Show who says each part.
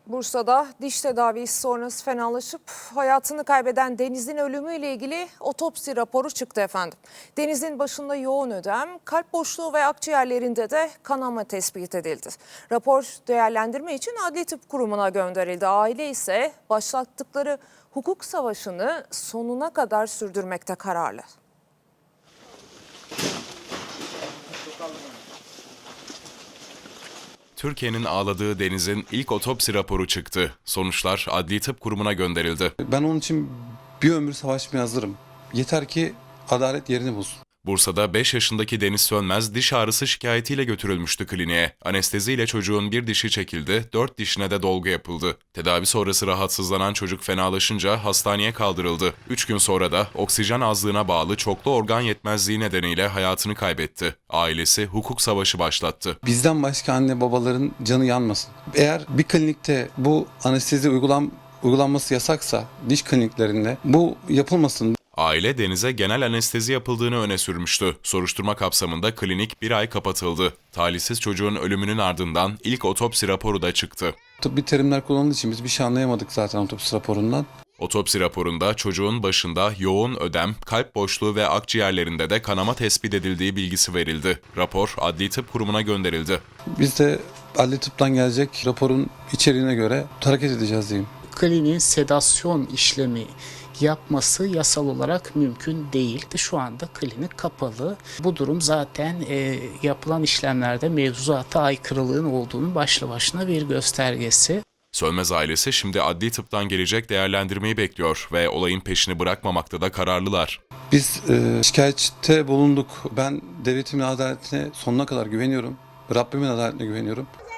Speaker 1: Bursa'da diş tedavisi sonrası fenalaşıp hayatını kaybeden Deniz'in ölümüyle ilgili otopsi raporu çıktı efendim. Deniz'in başında yoğun ödem, kalp boşluğu ve akciğerlerinde de kanama tespit edildi. Rapor değerlendirme için Adli Tıp Kurumu'na gönderildi. Aile ise başlattıkları hukuk savaşını sonuna kadar sürdürmekte kararlı.
Speaker 2: Türkiye'nin ağladığı Deniz'in ilk otopsi raporu çıktı. Sonuçlar Adli Tıp Kurumu'na gönderildi.
Speaker 3: Ben onun için bir ömür savaşmaya hazırım. Yeter ki adalet yerini bulsun.
Speaker 2: Bursa'da 5 yaşındaki Deniz Sönmez diş ağrısı şikayetiyle götürülmüştü kliniğe. Anesteziyle çocuğun bir dişi çekildi, 4 dişine de dolgu yapıldı. Tedavi sonrası rahatsızlanan çocuk fenalaşınca hastaneye kaldırıldı. 3 gün sonra da oksijen azlığına bağlı çoklu organ yetmezliği nedeniyle hayatını kaybetti. Ailesi hukuk savaşı başlattı.
Speaker 3: Bizden başka anne babaların canı yanmasın. Eğer bir klinikte bu anestezi uygulanması yasaksa diş kliniklerinde bu yapılmasın.
Speaker 2: Aile Deniz'e genel anestezi yapıldığını öne sürmüştü. Soruşturma kapsamında klinik bir ay kapatıldı. Talihsiz çocuğun ölümünün ardından ilk otopsi raporu da çıktı.
Speaker 3: Tıbbi terimler kullanıldığı için biz bir şey anlayamadık zaten otopsi raporundan.
Speaker 2: Otopsi raporunda çocuğun başında yoğun ödem, kalp boşluğu ve akciğerlerinde de kanama tespit edildiği bilgisi verildi. Rapor Adli Tıp Kurumu'na gönderildi.
Speaker 3: Biz de Adli Tıp'tan gelecek raporun içeriğine göre hareket edeceğiz diyeyim.
Speaker 4: Kliniğin sedasyon işlemi yapması yasal olarak mümkün değil. Şu anda klinik kapalı. Bu durum zaten yapılan işlemlerde mevzuata aykırılığın olduğunu başlı başına bir göstergesi.
Speaker 2: Sönmez ailesi şimdi Adli Tıp'tan gelecek değerlendirmeyi bekliyor ve olayın peşini bırakmamakta da kararlılar.
Speaker 3: Biz şikayette bulunduk. Ben devletimin adaletine sonuna kadar güveniyorum. Rabbimin adaletine güveniyorum.